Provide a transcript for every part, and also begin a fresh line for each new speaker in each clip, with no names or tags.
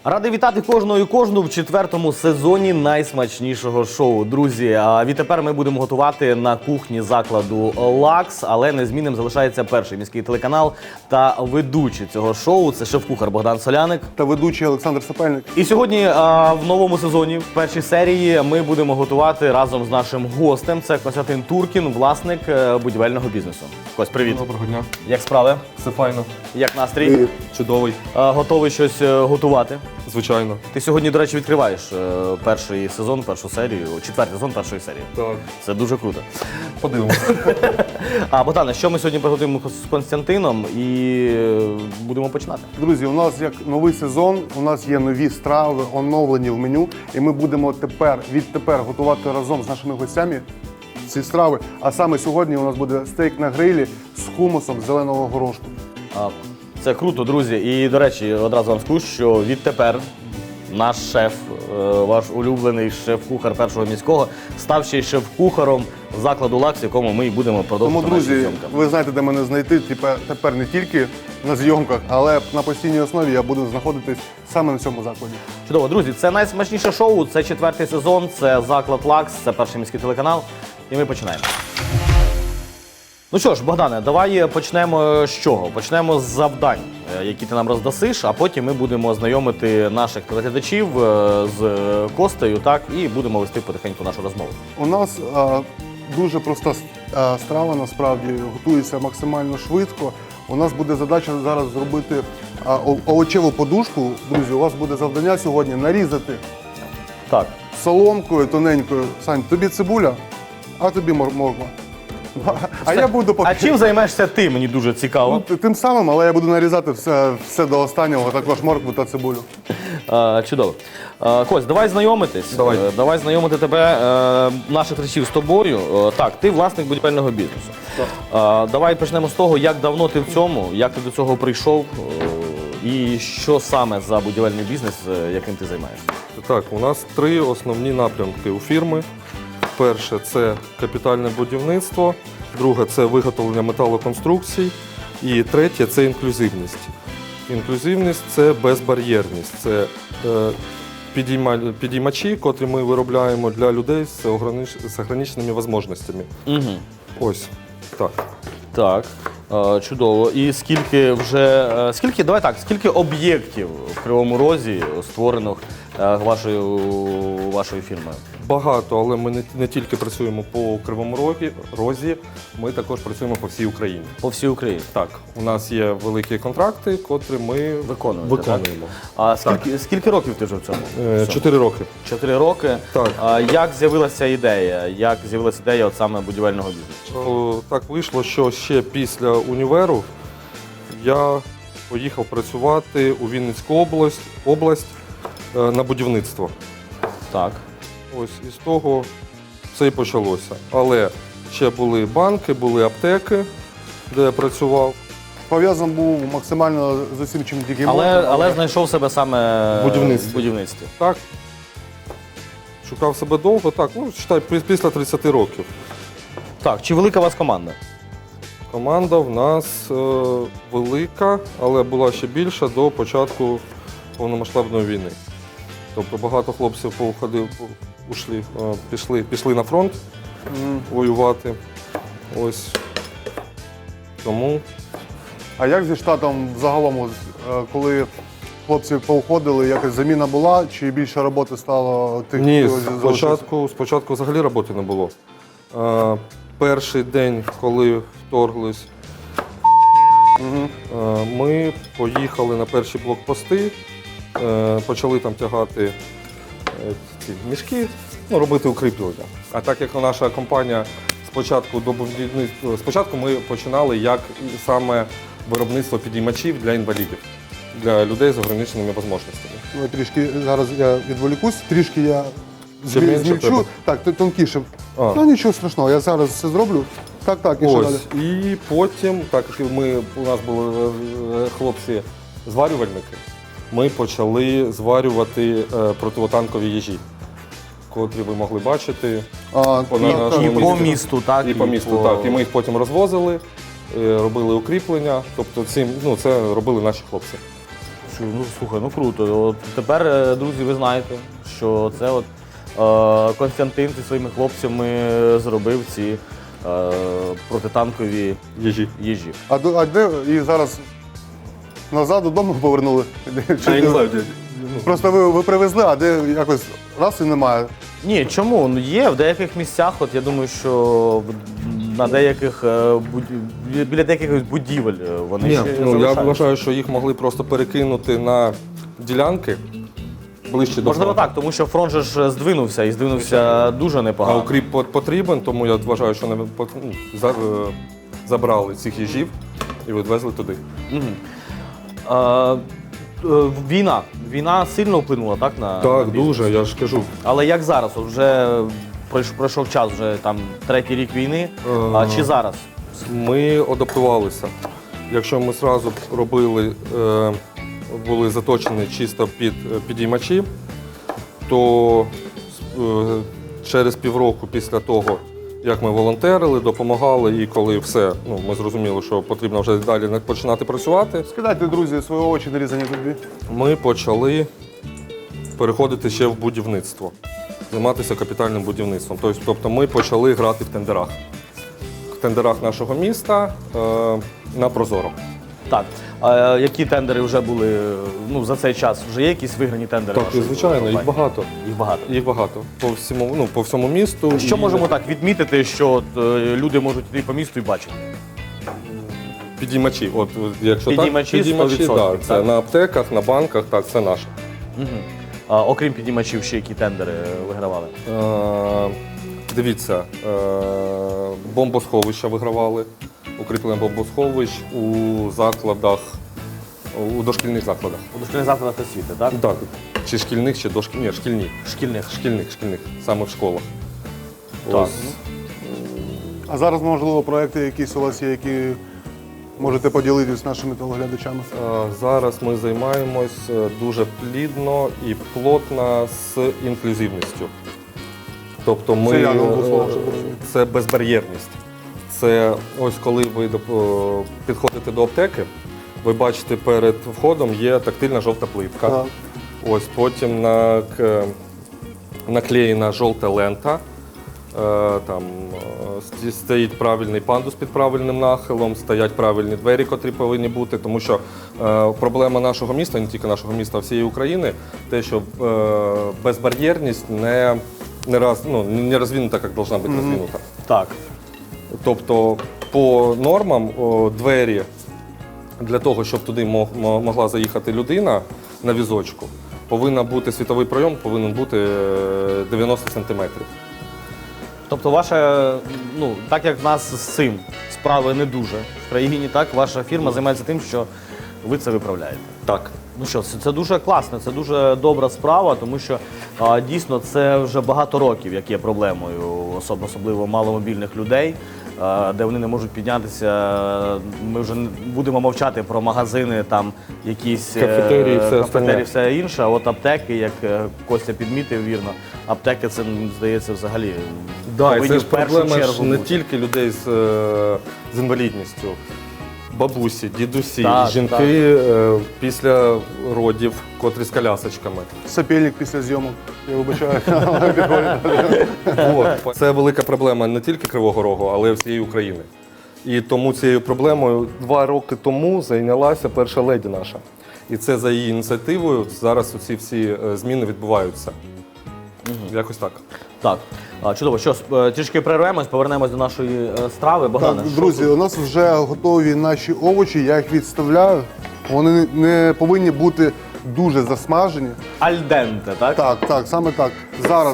Радий вітати кожного і кожну в четвертому сезоні найсмачнішого шоу. Друзі, відтепер ми будемо готувати на кухні закладу «Лакс», але незмінним залишається перший міський телеканал та ведучий цього шоу – це шеф-кухар Богдан Соляник.
Та ведучий Олександр Сапельник.
І сьогодні в новому сезоні, в першій серії, ми будемо готувати разом з нашим гостем. Це Костянтин Туркін, власник будівельного бізнесу. Кость, привіт.
Доброго дня.
Як справи?
Все файно.
Як настрій?
Чудовий.
Готовий щось готувати?
Звичайно.
Ти сьогодні, до речі, відкриваєш перший сезон, першу серію, четвертий сезон першої серії.
Так.
Це дуже круто.
Подивимося.
Богдане, що ми сьогодні приготуємо з Костянтином і будемо починати?
Друзі, у нас як новий сезон, у нас є нові страви, оновлені в меню, і ми будемо відтепер готувати разом з нашими гостями ці страви. А саме сьогодні у нас буде стейк на грилі з хумусом зеленого горошку.
Це круто, друзі. І, до речі, одразу вам скажу, що відтепер наш шеф, ваш улюблений шеф-кухар першого міського, став ще й шеф-кухаром закладу «Лакс», в якому ми і будемо продовжувати
Тому,
наші
друзі,
зйомки.
ви знаєте, де мене знайти тепер не тільки на зйомках, але на постійній основі я буду знаходитись саме на цьому закладі.
Чудово, друзі, це найсмачніше шоу, це четвертий сезон, це заклад «Лакс», це перший міський телеканал. І ми починаємо. Ну що ж, Богдане, давай почнемо з чого? Почнемо з завдань, які ти нам роздасиш, а потім ми будемо знайомити наших телеглядачів з Костею, так, і будемо вести потихеньку нашу розмову.
У нас дуже проста страва, насправді, готується максимально швидко. У нас буде задача зараз зробити овочеву подушку. Друзі, у вас буде завдання сьогодні нарізати
Так.
соломкою тоненькою. Сань, тобі цибуля, а тобі морква. А я буду
А чим займаєшся ти, мені дуже цікаво.
тим самим, але я буду нарізати все до останнього, також моркву та цибулю.
Чудово. Кость, давай знайомитись.
Давай.
Давай знайомити тебе, наших глядачів, з тобою. Так, ти власник будівельного бізнесу. Давай почнемо з того, як давно ти в цьому, як ти до цього прийшов і що саме за будівельний бізнес, яким ти займаєшся.
Так, у нас три основні напрямки у фірми. Перше – це капітальне будівництво, друге – це виготовлення металоконструкцій, і третє – це інклюзивність. Інклюзивність – це безбар'єрність, це підіймачі, котрі ми виробляємо для людей з ограниченими можливостями.
Угу.
Ось, так.
Так, чудово. І скільки об'єктів в Кривому Розі створено вашою фірмою?
Багато, але ми не тільки працюємо по Кривому Розі, ми також працюємо по всій Україні.
По всій Україні?
Так, у нас є великі контракти, котрі ми
Виконуємо.
Так?
А скільки років ти вже в цьому?
4 роки.
4 роки.
Так.
Як з'явилася ідея? Як з'явилася ідея от саме будівельного бізнесу?
Так вийшло, що ще після універу я поїхав працювати у Вінницьку область на будівництво.
Так.
Ось із того все і почалося. Але ще були банки, були аптеки, де я працював.
Пов'язаний був максимально з усім, чим тільки можна.
Але знайшов себе саме в будівництві.
Так, шукав себе довго, так, читай, після 30 років.
Так, чи велика у вас команда?
Команда в нас велика, але була ще більша до початку повномасштабної війни. Тобто багато хлопців пішли на фронт воювати. Ось. Тому.
А як зі штатом загалом, коли хлопці поуходили, якась заміна була, чи більше роботи стало тих,
Ні,
хто залишився?
спочатку взагалі роботи не було. Перший день, коли вторглись, ми поїхали на перші блокпости, почали там тягати ці мішки, робити укріплення. А так як наша компанія спочатку ми починали як саме виробництво підіймачів для інвалідів, для людей з ограниченими можливостями.
Трішки зараз я відволікусь, трішки я
Ще менше
змільчу.
треба?
Так, тонкіше. Ну нічого страшного, я зараз все зроблю. Так, і що далі?
Ось. І потім, так як у нас були хлопці-зварювальники, ми почали зварювати противотанкові їжі, котрі ви могли бачити.
І по місту, так?
І по місту, так. І ми їх потім розвозили, робили укріплення. Тобто це робили наші хлопці.
Ну, слухай, ну круто. От тепер, друзі, ви знаєте, що це от Костянтин зі своїми хлопцями зробив ці протитанкові їжі.
А де і зараз назад додому повернули?
Я не знаю, де.
Просто ви привезли, а де якось раз і немає.
Ні, чому? Ну, є в деяких місцях, от я думаю, що на деяких біля деяких будівель вони
Ні,
ще
ну, я
залишаються.
вважаю, що їх могли просто перекинути на ділянки ближче до
Можливо
фронту.
так, тому що фронт же ж здвинувся і здвинувся дуже
А
непогано.
укріп потрібен, тому я вважаю, що вони забрали цих їжів і відвезли туди.
Війна сильно вплинула, так, на
Так,
бізнес?
дуже, я ж кажу.
Але як зараз? От вже пройшов час, вже там 3-й рік війни. А чи зараз?
Ми адаптувалися. Якщо ми одразу робили, були заточені чисто під підіймачі, то через півроку після того, як ми волонтерили, допомагали, і коли все, ну, ми зрозуміли, що потрібно вже далі починати працювати,
Скидайте, друзі, свої очі нарізані тобі.
ми почали переходити ще в будівництво, займатися капітальним будівництвом. Тобто ми почали грати в тендерах. В тендерах нашого міста на Прозоро.
Так. А які тендери вже були за цей час? Вже є якісь виграні тендери?
Так,
вашої
звичайно, їх
компанії?
багато.
Їх багато.
Їх багато. По всьому місту.
Що
І
можемо так відмітити, що от, люди можуть йти по місту і бачити?
Підіймачі. Якщо
Підіймачі
так, підіймачі,
100%,
так. Це
так.
на аптеках, на банках, так, це наше.
Окрім підіймачів, ще які тендери вигравали?
Дивіться, бомбосховища вигравали, укріплення бомбосховищ у закладах, у дошкільних закладах.
У дошкільних закладах освіти, так?
Так. Чи шкільних, чи дошкільних. Ні, шкільні.
Шкільних.
Саме в школах.
Так.
Ось.
А зараз, можливо, проекти якісь у вас є, які можете поділитися з нашими телеглядачами.
Зараз ми займаємось дуже плідно і плотно з інклюзивністю. Тобто ми,
Це я не можу слова, щоб розуміти.
це безбар'єрність. Це ось коли ви підходите до аптеки, ви бачите, перед входом є тактильна жовта плитка.
Так.
Ось потім наклеєна жовта лента. Там стоїть правильний пандус під правильним нахилом, стоять правильні двері, котрі повинні бути, тому що проблема нашого міста, не тільки нашого міста, а всієї України, те, що безбар'єрність не розвинута, як повинна бути розвинута.
Так.
Тобто по нормам двері для того, щоб туди могла заїхати людина на візочку, повинен бути світовий пройом, повинен бути 90 сантиметрів.
Тобто так як в нас з цим справи не дуже в країні, так, ваша фірма займається тим, що ви це виправляєте.
Так.
Ну що, це дуже класно, це дуже добра справа, тому що дійсно це вже багато років, як є проблемою, особливо маломобільних людей, де вони не можуть піднятися. Ми вже не будемо мовчати про магазини, там якісь
кафетерії,
все інше. А от аптеки, як Костя підмітив вірно, аптеки це, здається, взагалі
Да, і це ж
в першу
проблема
чергу
не
бути.
тільки людей з інвалідністю. Бабусі, дідусі,
Так,
жінки після родів, котрі з колясочками.
Сапельник після зйомок, я вибачаю.
От. Це велика проблема не тільки Кривого Рогу, але й всієї України. І тому цією проблемою 2 роки тому зайнялася перша леді наша. І це за її ініціативою зараз ці всі зміни відбуваються. Якось так.
Так, чудово. Що, трішки перервемось, повернемось до нашої страви. Богдане,
Так, друзі, у нас вже готові наші овочі, я їх відставляю. Вони не повинні бути дуже засмажені.
альденте, так?
Так, саме так. Зараз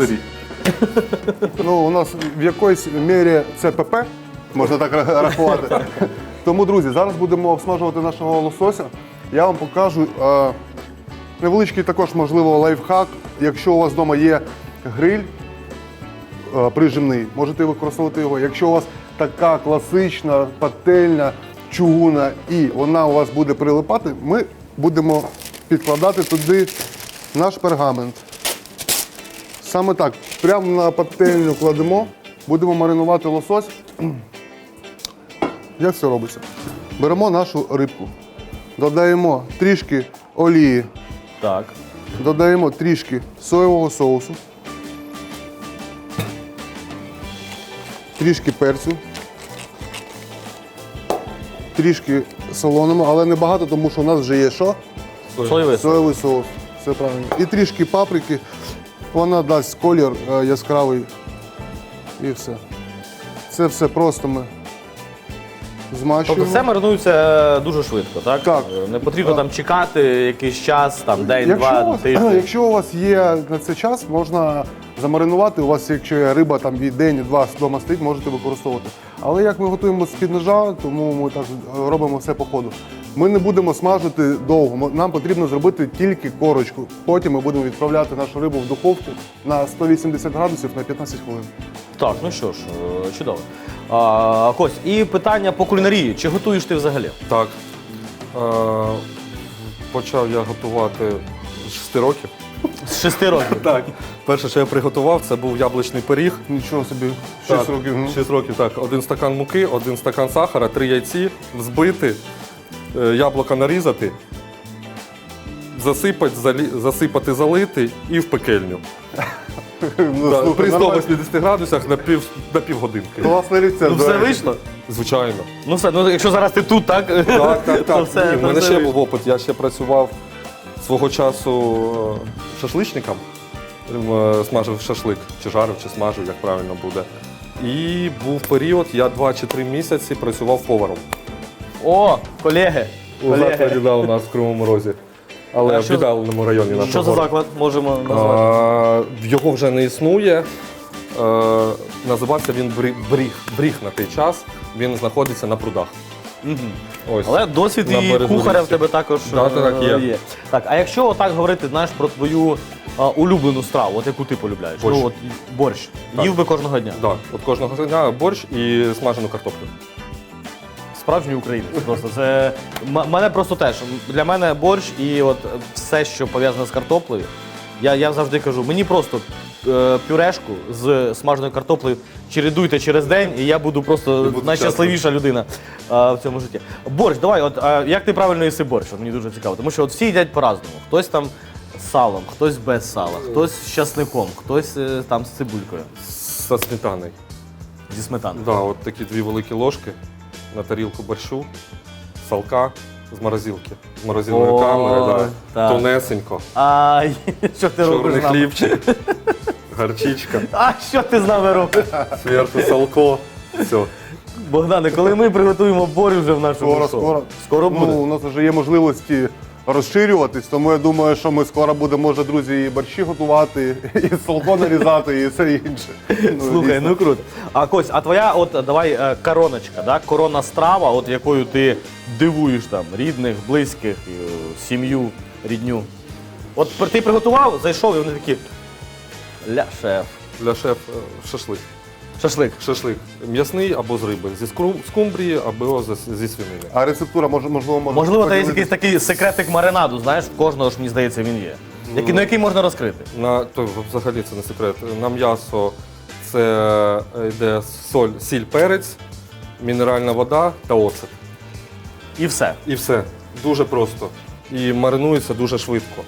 у нас в якоїсь мірі це ПП, можна так рахувати. Тому, друзі, зараз будемо обсмажувати нашого лосося. Я вам покажу невеличкий також, можливо, лайфхак. Якщо у вас вдома є гриль прижимний, можете використовувати його. Якщо у вас така класична пательня, чугуна і вона у вас буде прилипати, ми будемо підкладати туди наш пергамент. Саме так, прямо на пательню кладемо, будемо маринувати лосось. Як це робиться? Беремо нашу рибку, додаємо трішки олії.
Так.
Додаємо трішки соєвого соусу. Трішки перцю. Трішки солонимо, але не багато, тому що у нас вже є що?
Соєвий.
Соєвий соус. Це правильно. І трішки паприки. Вона дасть колір яскравий. І все. Це все просто ми змащуємо.
Тобто це маринується дуже швидко, так?
Так.
Не потрібно там чекати якийсь час, там день-два, тиждень.
Якщо у вас є на це час, можна замаринувати. У вас, якщо є риба там і день, і два вдома стоїть, можете використовувати. Але як ми готуємо з-під ножа, тому ми так робимо все по ходу. Ми не будемо смажити довго. Нам потрібно зробити тільки корочку. Потім ми будемо відправляти нашу рибу в духовку на 180 градусів на 15 хвилин.
Так, ну що ж, чудово. Кось, і питання по кулінарії. Чи готуєш ти взагалі?
Так. Почав я готувати з 6 років.
З 6 років?
Так. Перше, що я приготував, це був яблучний пиріг.
Нічого собі, 6
Так,
років.
6 років, так. 1 стакан муки, 1 стакан сахара, 3 яйці, взбити, яблука нарізати, засипати, залити і в пекельню.
Ну,
Так,
слухай,
при
нормально.
180 градусах на півгодинки.
Класний рецепт.
Ну
до
все
речі.
вийшло?
Звичайно.
Ну все, ну якщо зараз ти тут, так?
Так, так,
то
так.
все,
Ні, в
то
мене
все
ще
вийшло.
був опит. Я ще працював свого часу шашличником. Смажив шашлик, чи жарив, чи смажив, як правильно буде. І був період, я 2 чи 3 місяці працював поваром.
О, колеги.
У закладі да, у нас в Кривому Розі. Але
А
в
що-
віддаленому районі нашого.
Що за
города.
заклад можемо назвати?
Його вже не існує. Називався він Бріг на той час. Він знаходиться на прудах. Ось.
Але досвід
На
і
березу
кухаря в
річки.
тебе також
Да, так, є.
Так, а якщо отак говорити, знаєш, про твою улюблену страву, от яку ти полюбляєш?
Борщ.
Ну, от борщ.
Так.
Їв би кожного дня.
Да, от кожного дня борщ і смажену картоплю.
Справжній українець. Просто це мене просто теж. Для мене борщ і от все, що пов'язане з картоплею. Я завжди кажу, мені просто пюрешку з смаженою картоплею чередуйте через день, і я буду просто
буду
найщасливіша людина в цьому житті. Борщ, давай, от як ти правильно їси борщ? От мені дуже цікаво, тому що от всі їдять по-разному. Хтось там з салом, хтось без сала, хтось з часником, хтось там з цибулькою,
Зі сметаною.
зі сметаною.
Да, от такі 2 великі ложки на тарілку борщу, салка з морозилки. З морозильної
Ой,
камери, да.
так.
Тонесенько.
Ай, що ти робиш
Чорний
з нами?
хлібчик, гарчичка,
А що ти з нами робиш?
зверху салко. Все.
Богдане, коли ми приготуємо борщ вже в нашому шоу? Скоро буде?
Ну, у нас вже є можливості розширюватись, тому я думаю, що ми скоро будемо, може, друзі, і борщі готувати, і салко нарізати, і все інше.
Слухай,
дійсно.
ну круто. А Кось, а твоя от давай короночка, да? Коронна страва, от якою ти дивуєш там рідних, близьких, сім'ю, рідню. От ти приготував, зайшов, і вони такі ля шеф.
Для шеф шашлик.
Шашлик.
Шашлик м'ясний або з риби, зі скумбрії або зі свинини.
А рецептура, можливо,
Можливо, це є
поділитися?
якийсь такий секретик маринаду, знаєш, в кожного ж, мені здається, він є. На який можна розкрити?
То взагалі це не секрет. На м'ясо це йде сіль, перець, мінеральна вода та оцет.
І все.
І все. Дуже просто. І маринується дуже швидко.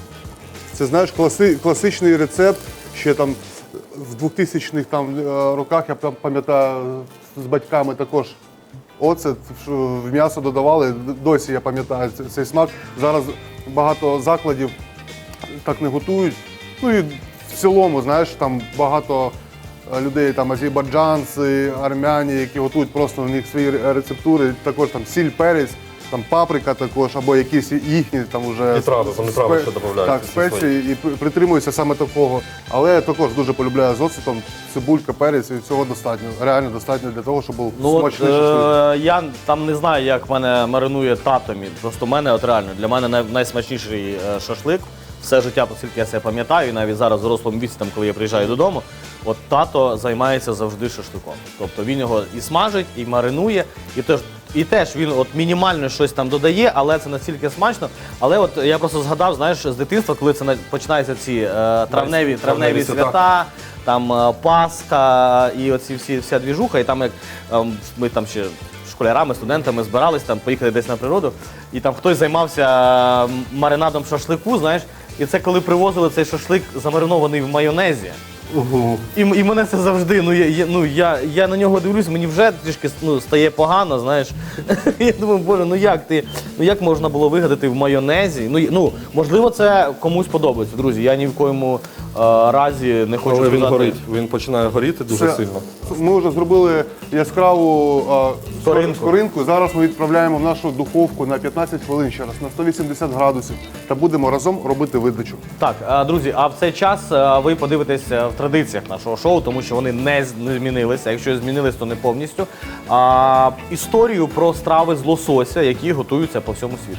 Це, знаєш, класичний рецепт, ще там в 2000-х там, роках, я пам'ятаю, з батьками також оцет в м'ясо додавали, досі я пам'ятаю цей смак. Зараз багато закладів так не готують. Ну і в цілому, знаєш, там багато людей, там азербайджанці, армяні, які готують просто у них свої рецептури, також там сіль, перець, там паприка також, або якісь їхні там уже
І трави, вони трави ще додають.
Так, спеції і притримуюся саме такого. Але я також дуже полюбляю з оцетом, цибулька, перець, і цього достатньо. Реально достатньо для того, щоб був
Ну от
смачний шашлик.
я там не знаю, як мене маринує тато мій. Просто мене от реально для мене найсмачніший шашлик. Все життя, оскільки я себе пам'ятаю, і навіть зараз в дорослому віці, там, коли я приїжджаю додому, от тато займається завжди шашликом. Тобто він його і смажить, і маринує, і теж він от мінімально щось там додає, але це настільки смачно. Але от я просто згадав, знаєш, з дитинства, коли це починаються ці травневі свята, там Пасха і оці вся двіжуха, і там як ми там ще в школярами, студентами збирались там, поїхали десь на природу, і там хтось займався маринадом шашлику, знаєш, і це коли привозили цей шашлик замаринований в майонезі. І мене це завжди, я на нього дивлюсь, мені вже трішки стає погано, знаєш. Я думаю, боже, як можна було вигадати в майонезі? Можливо, це комусь подобається, друзі. Я ні в коєму разі не хочу
Коли він
сказати.
горить, він починає горіти дуже
Це-
сильно.
Ми вже зробили яскраву
Скоринку.
скоринку. Зараз ми відправляємо в нашу духовку на 15 хвилин ще раз, на 180 градусів. Та будемо разом робити видачу.
Так, друзі, а в цей час ви подивитесь в традиціях нашого шоу, тому що вони не змінилися. Якщо змінились, то не повністю. Історію про страви з лосося, які готуються по всьому світу.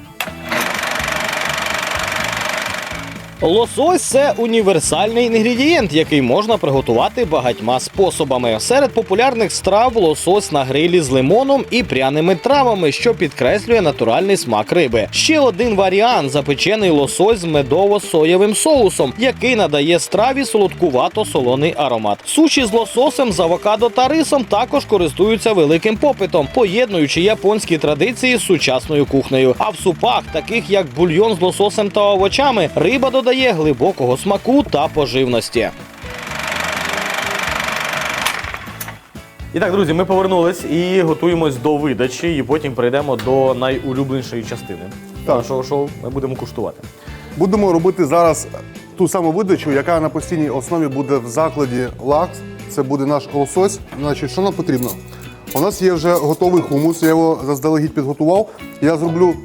Лосось – це універсальний інгредієнт, який можна приготувати багатьма способами. Серед популярних страв – лосось на грилі з лимоном і пряними травами, що підкреслює натуральний смак риби. Ще один варіант – запечений лосось з медово-соєвим соусом, який надає страві солодкувато-солоний аромат. Суші з лососем, з авокадо та рисом також користуються великим попитом, поєднуючи японські традиції з сучасною кухнею. А в супах, таких як бульйон з лососем та овочами, риба додає глибокого смаку та поживності. І так, друзі, ми повернулись і готуємось до видачі, і потім перейдемо до найулюбленішої частини нашого шоу. Ми будемо куштувати.
Будемо робити зараз ту саму видачу, яка на постійній основі буде в закладі Лакс. Це буде наш лосось. Значить, що нам потрібно? У нас є вже готовий хумус, я його заздалегідь підготував. Я зроблю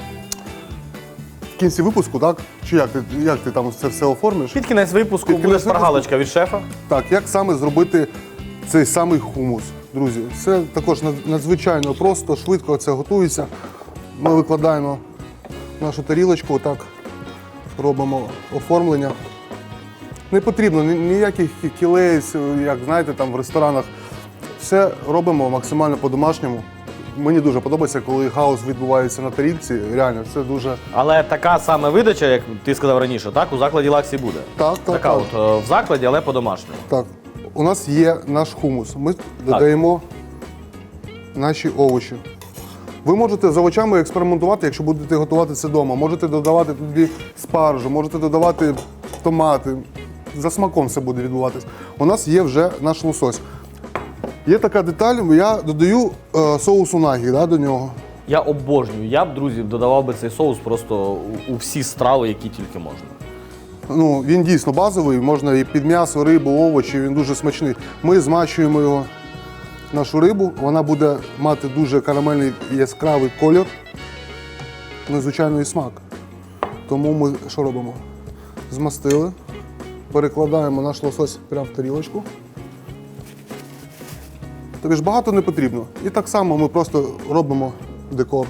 в кінці випуску, так? Чи як ти там це все оформиш?
Під кінець випуску
Під
буде
кінець
шпаргалочка від шефа.
Так, як саме зробити цей самий хумус, друзі? Це також надзвичайно просто, швидко це готується. Ми викладаємо нашу тарілочку, отак робимо оформлення. Не потрібно ніяких кілець, як знаєте, там в ресторанах. Все робимо максимально по-домашньому. Мені дуже подобається, коли хаос відбувається на тарілці. Реально, це дуже...
Але така саме видача, як ти сказав раніше, так, у закладі Лаксі буде.
Так.
Така от в закладі, але по-домашньому.
Так, у нас є наш хумус. Ми додаємо наші овочі. Ви можете з овочами експериментувати, якщо будете готувати це вдома. Можете додавати туди спаржу, можете додавати томати. За смаком все буде відбуватись. У нас є вже наш лосось. Є така деталь, я додаю соус унагі до нього.
Я обожнюю. Я б, друзі, додавав би цей соус просто у всі страви, які тільки можна.
Ну, він дійсно базовий, можна і під м'ясо, рибу, овочі, він дуже смачний. Ми змачуємо його, нашу рибу, вона буде мати дуже карамельний яскравий колір, незвичайно і смак. Тому ми що робимо? Змастили, перекладаємо наш лосось прямо в тарілочку. Тобі ж багато не потрібно. І так само ми просто робимо декор.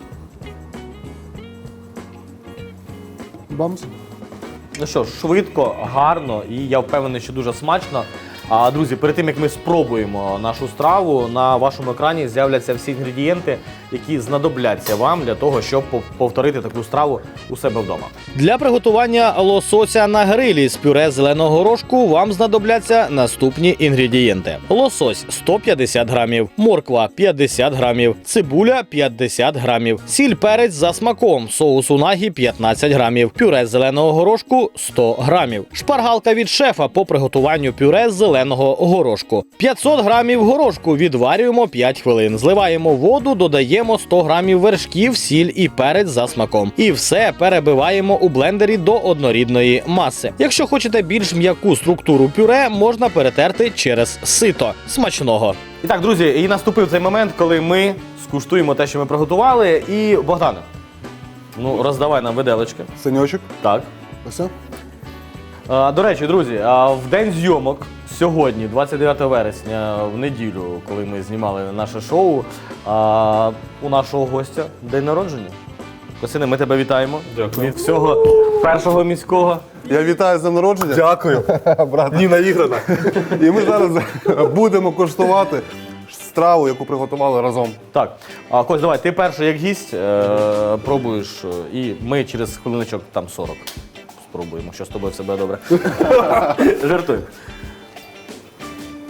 Бамс.
Ну що ж, швидко, гарно і я впевнений, що дуже смачно. А, друзі, перед тим, як ми спробуємо нашу страву, на вашому екрані з'являться всі інгредієнти, які знадобляться вам для того, щоб повторити таку страву у себе вдома. Для приготування лосося на грилі з пюре зеленого горошку вам знадобляться наступні інгредієнти. Лосось – 150 грамів, морква – 50 грамів, цибуля – 50 грамів, сіль, перець за смаком, соус унагі – 15 грамів, пюре зеленого горошку – 100 грамів, шпаргалка від шефа по приготуванню пюре з зеленого горошку. 500 грамів горошку відварюємо 5 хвилин, зливаємо воду, додаємо 100 грамів вершків, сіль і перець за смаком. І все перебиваємо у блендері до однорідної маси. Якщо хочете більш м'яку структуру пюре, можна перетерти через сито. Смачного! І так, друзі, і наступив цей момент, коли ми скуштуємо те, що ми приготували. І, Богдане, ну роздавай нам виделочки.
Саньочок.
Так.
Ось.
До речі, друзі, в день зйомок сьогодні, 29 вересня, в неділю, коли ми знімали наше шоу, у нашого гостя день народження. Костяне, ми тебе вітаємо.
Дякую.
Від всього першого міського.
Я вітаю з днем народження.
Дякую.
Брат.
Ні, наіграна.
І ми зараз будемо коштувати страву, яку приготували разом.
Так, Кость, давай, ти перший як гість пробуєш, і ми через хвилиночок там 40 спробуємо, що з тобою все буде добре. Жартую.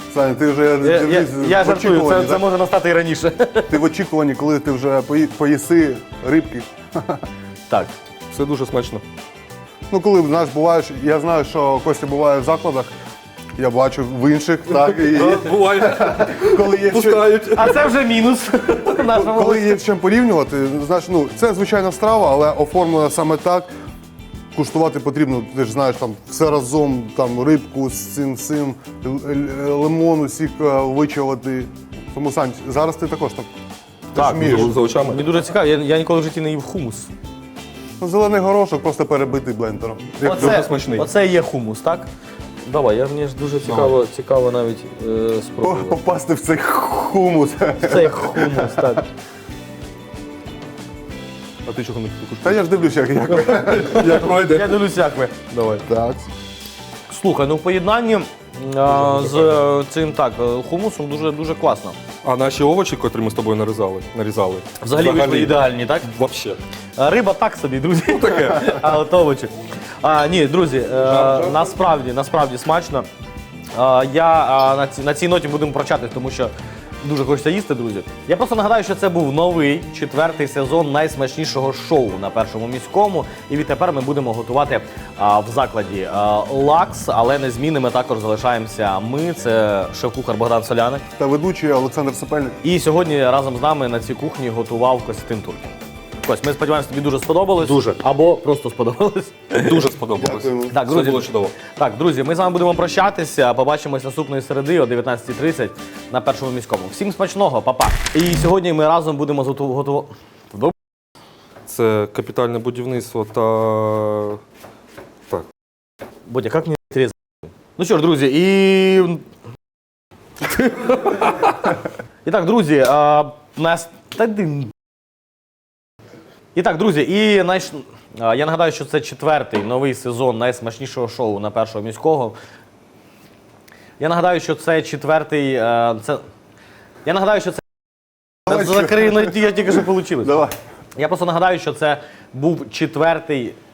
Саня, ти вже
Я
в
жартую,
очікуванні,
це
так?
може настати і раніше.
Ти в очікуванні, коли ти вже поїси рибки.
Так.
Все дуже смачно.
Ну, коли, знаєш, буваєш, я знаю, що Костя буває в закладах, я бачу в інших, так, і
Буває,
коли є
пускають.
А це вже мінус нашому.
коли є з чим порівнювати, знаєш, ну, це звичайна страва, але оформлена саме так. Куштувати потрібно, ти ж знаєш, там все разом, там рибку з цим, лимону, сік вичавати. Тому, Сань, зараз ти також так.
Так,
вмієш.
За очами.
Мені дуже цікаво, я ніколи в житті не їв хумус.
Ну, зелений горошок просто перебитий блендером. Як
дуже смачний.
Оце і є хумус, так? Давай, мені ж дуже цікаво навіть спробувати.
попасти в цей хумус.
Це хумус, так.
А ти чого не кушаєш?
Та я ж дивлюся, як.
Як пройде?
Я дивлюся, як ви.
Давай.
Так.
Слухай, ну в поєднанні з цим так, хумусом дуже класно.
А наші овочі, котрі ми з тобою нарізали.
Взагалі вийшли ідеальні, так?
Вообще.
Риба так собі, друзі. А от овочі. Ні, друзі, насправді смачно. Я на цій ноті будемо прощатись, тому що дуже хочеться їсти, друзі. Я просто нагадаю, що це був новий 4-й сезон найсмачнішого шоу на Першому міському. І відтепер ми будемо готувати в закладі лакс, але незмінними також залишаємося ми. Це шеф-кухар Богдан Соляник.
Та ведучий Олександр Сапельник.
І сьогодні разом з нами на цій кухні готував Костянтин Туркін. Кость, ми сподіваємося, тобі дуже сподобалось.
Дуже.
Або просто сподобалось.
Дуже сподобалось.
Дякуємо.
Так,
Все
друзі,
було чудово.
Так, друзі, ми з вами будемо прощатися. Побачимось наступної середи о 19:30 на Першому міському. Всім смачного, па-па. І сьогодні ми разом будемо готувати.
Це капітальне будівництво та. Так.
Бодя, як мені різати? Ну що ж, друзі, і. І так, друзі, нас. І так, друзі, я нагадаю, що це 4-й новий сезон найсмачнішого шоу на Першого міського. Я нагадаю, що це 4-й. Я нагадаю, що це.
Давай,
Закрий, я тільки що вийшло.
Давай.
Я просто нагадаю, що це був 4-й